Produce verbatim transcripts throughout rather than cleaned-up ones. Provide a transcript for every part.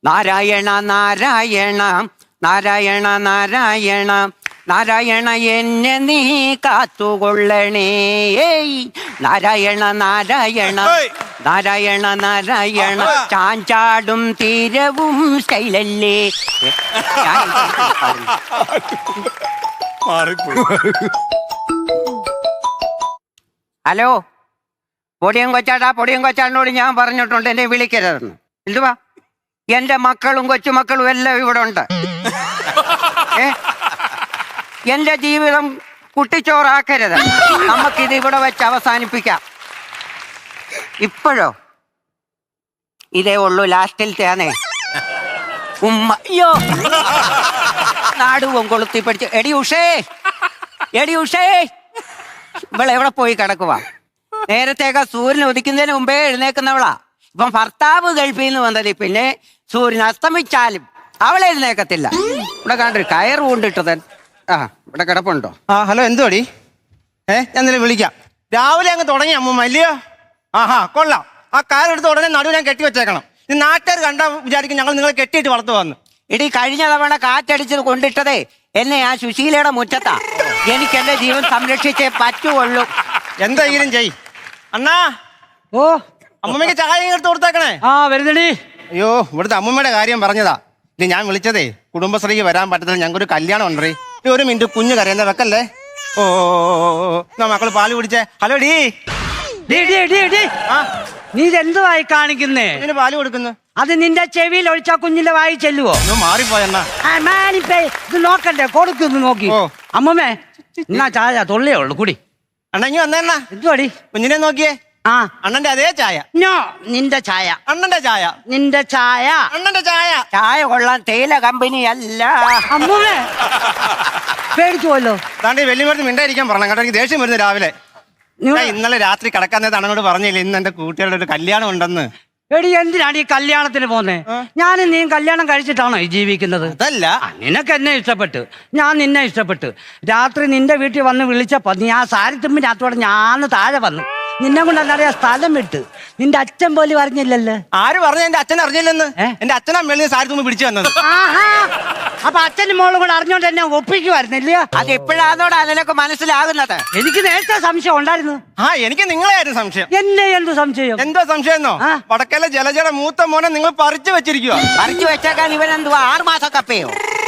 നാരായണ നാരായണ നാരായണ നാരായണ നാരായണ എന്നെ നീ കാത്തുകൊള്ളണേ. നാരായണ നാരായണ നാരായണ നാരായണ ചാഞ്ചാടും തീരവും സ്റ്റൈലല്ലേ. ഹലോ, പൊടിയും കൊച്ചാട്ടാ, പൊടിയും കൊച്ചാടിനോട് ഞാൻ പറഞ്ഞിട്ടുണ്ട് എന്നെ വിളിക്കരുതെന്ന്. എന്തുവാ? എന്റെ മക്കളും കൊച്ചുമക്കളും എല്ലാം ഇവിടെ ഉണ്ട്. ഏ എന്റെ ജീവിതം കുട്ടിച്ചോറാക്കരുത്. നമുക്കിത് ഇവിടെ വെച്ച് അവസാനിപ്പിക്കാം. ഇപ്പോഴോ ഇതേ ഉള്ളൂ, ലാസ്റ്റിലത്തെയാണേ. ഉമ്മ അയ്യോ നാടുവും കൊളുത്തി പഠിച്ച്. എടി ഉഷേ, എടി ഉഷേ, ഇവളെ എവിടെ പോയി കിടക്കുവാ? നേരത്തേക്ക് സൂര്യൻ ഉദിക്കുന്നതിന് മുമ്പേ എഴുന്നേക്കുന്നവളാ. ഇപ്പം ഭർത്താവ് ഗൾഫിൽ നിന്ന് വന്നത്, പിന്നെ സൂര്യൻ അസ്തമിച്ചാലും അവളെ എഴുന്നേക്കത്തില്ല. ഇവിടെ കണ്ടൊരു കയറ് കൊണ്ടിട്ടത്. ആ ഇവിടെ കിടപ്പുണ്ടോ? ആ ഹലോ, എന്തുവാടി? ഏ ഞാൻ നിന്നെ വിളിക്കാം. രാവിലെ അങ്ങ് തുടങ്ങി അമ്മ അല്ലയോ? ആഹാ കൊള്ളാം. ആ കാലെടുത്ത് ഉടനെ നടുവ് ഞാൻ കെട്ടി വെച്ചേക്കണം. ഈ നാട്ടുകാർ കണ്ടാ വിചാരിക്കും ഞങ്ങൾ നിങ്ങളെ കെട്ടിയിട്ട് വളർത്തു വന്ന്. ഇടി കഴിഞ്ഞ തവണ കാറ്റടിച്ചത് കൊണ്ടിട്ടതേ എന്നെ ആ സുശീലയുടെ മുറ്റത്താ. എനിക്ക് എന്റെ ജീവൻ സംരക്ഷിച്ചേ പറ്റുള്ളൂ. എന്തെങ്കിലും ചെയ് അണ്ണാ. ഓ അമ്മമ്മക്ക് ചായ എടുത്ത് കൊടുത്തേക്കണേ. ആ വരുന്നടി. അയ്യോ, ഇവിടുത്തെ അമ്മമ്മയുടെ കാര്യം പറഞ്ഞതാ. ഇനി ഞാൻ വിളിച്ചതേ കുടുംബശ്രീക്ക് വരാൻ പറ്റത്തില്ല, ഞങ്ങൾക്കൊരു കല്യാണം ഉണ്ടേ. ഈ ഒരു മിനിറ്റ് കുഞ്ഞു കരയുന്ന വെക്കല്ലേ. ഓ എന്നാ മക്കള് പാല് കുടിച്ചേ. ഹലോ ഡീ. ഡി, ഡി, ഡി, ഡി. ആ നീ ഇതെന്തുവായി കാണിക്കുന്നേ? ഇതിന് പാല് കൊടുക്കുന്നു. അത് നിന്റെ ചെവിയിൽ ഒഴിച്ചാ കുഞ്ഞിന്റെ വായി ചെല്ലുവോ? ഒന്ന് മാറിപ്പോയെന്നാ. ആ, മാനിപ്പേ, ഇത് നോക്കണ്ടേ? കൊടുക്കുന്നു നോക്കി. ഓ. അമ്മമ്മേ എന്നാ ചായ തൊള്ളിയേ ഉള്ളു കുടി. അണ്ണ ഇങ്ങ് വന്നേണ്ണ. എന്തുവാടി? കുഞ്ഞിനെ നോക്കിയേ. ആ അണ്ണന്റെ അതേ ചായ. നോ, നിന്റെ ചായ. അണ്ണന്റെ ചായ. നിന്റെ ചായ. അണ്ണന്റെ ചായ. ചായ കൊള്ളാൻ തേയില കമ്പനി അല്ല. അമ്മമ്മേ പേടിച്ചുവല്ലോ. താണ്ടി വെല്ലുമരുന്ന് മിണ്ടായിരിക്കാൻ പറഞ്ഞു കേട്ടോ. എനിക്ക് ദേഷ്യം വരുന്നു രാവിലെ. ഞാൻ ഇന്നലെ രാത്രി കിടക്കാൻ നേരത്തെ അണ്ണനോട് പറഞ്ഞില്ല ഇന്ന് എന്റെ കൂട്ടുകാരുടെ ഒരു കല്യാണം ഉണ്ടെന്ന്. എടി എന്തിനാണ് ഈ കല്യാണത്തിന് പോന്നെ? ഞാനും നീ കല്യാണം കഴിച്ചിട്ടാണോ ഈ ജീവിക്കുന്നത്? അതല്ല, ആ, നിനക്ക് എന്നെ ഇഷ്ടപ്പെട്ട്, ഞാൻ നിന്നെ ഇഷ്ടപ്പെട്ട്. രാത്രി നിന്റെ വീട്ടിൽ വന്ന് വിളിച്ചപ്പോ നീ ആ സാരി തുമ്പിനകത്തോടെ ഞാൻ താഴെ വന്നു. നിന്നെ കൊണ്ട് എന്നറിയാ സ്ഥലം വിട്ട്. നിന്റെ അച്ഛൻ പോലും അറിഞ്ഞില്ലല്ലോ. ആര് പറഞ്ഞു എന്റെ അച്ഛൻ അറിഞ്ഞില്ലെന്ന്? എന്റെ അച്ഛനാ മേളിൽ സാരി തുമ്പി പിടിച്ചു വന്നത്. ആഹാ, അപ്പൊ അച്ഛനും മോളും കൂടെ അറിഞ്ഞോണ്ട് എന്നെ ഒപ്പിക്കുമായിരുന്നില്ല? അത് എപ്പോഴാന്നോടാ നിനക്ക് മനസ്സിലാകുന്നത്? എനിക്ക് നേരത്തെ സംശയം ഉണ്ടായിരുന്നു. ആ എനിക്ക് നിങ്ങളെയായിരുന്നു സംശയം. എന്നെ എന്ത് സംശയം? എന്തോ സംശയം എന്നോ? ആ. വടക്കലെ ജലജയുടെ മൂത്ത മോനെ നിങ്ങൾ പറിച്ചു വെച്ചിരിക്കുക. പറിച്ചു വെച്ചേക്കാൻ ഇവൻ എന്തുവാ ആറ് മാസം കപ്പയോ?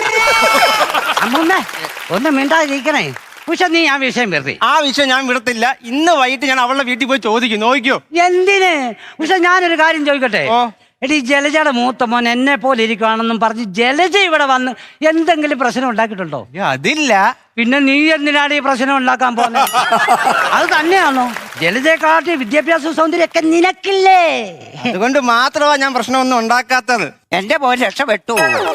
അമ്മൂമ്മേ ഒന്ന് മിണ്ടാതിരിക്കണേ. പക്ഷെ നീ ആ വിഷയം വെറുതെ. ആ വിഷയം ഞാൻ വിടത്തില്ല. ഇന്ന് വൈകിട്ട് ഞാൻ അവളുടെ വീട്ടിൽ പോയി ചോദിക്കും. നോക്കിയോ? എന്തിന്? പക്ഷെ ഞാനൊരു കാര്യം ചോദിക്കട്ടെ. ഓ. എടി ജലജയുടെ മൂത്ത മോൻ എന്നെ പോലെ ഇരിക്കുകയാണെന്നും പറഞ്ഞ് ജലജ ഇവിടെ വന്ന് എന്തെങ്കിലും പ്രശ്നം ഉണ്ടാക്കിയിട്ടുണ്ടോ? അതില്ല. പിന്നെ നീ എന്തിനാണ് ഈ പ്രശ്നം ഉണ്ടാക്കാൻ പോകുന്നത്? അത് തന്നെയാണോ? ജലജയെക്കാട്ടി വിദ്യാഭ്യാസ സൗന്ദര്യമൊക്കെ നിനക്കില്ലേ? അതുകൊണ്ട് മാത്രമാ ഞാൻ പ്രശ്നമൊന്നും ഉണ്ടാക്കാത്തത്. എന്റെ പോയി രക്ഷപ്പെട്ടു.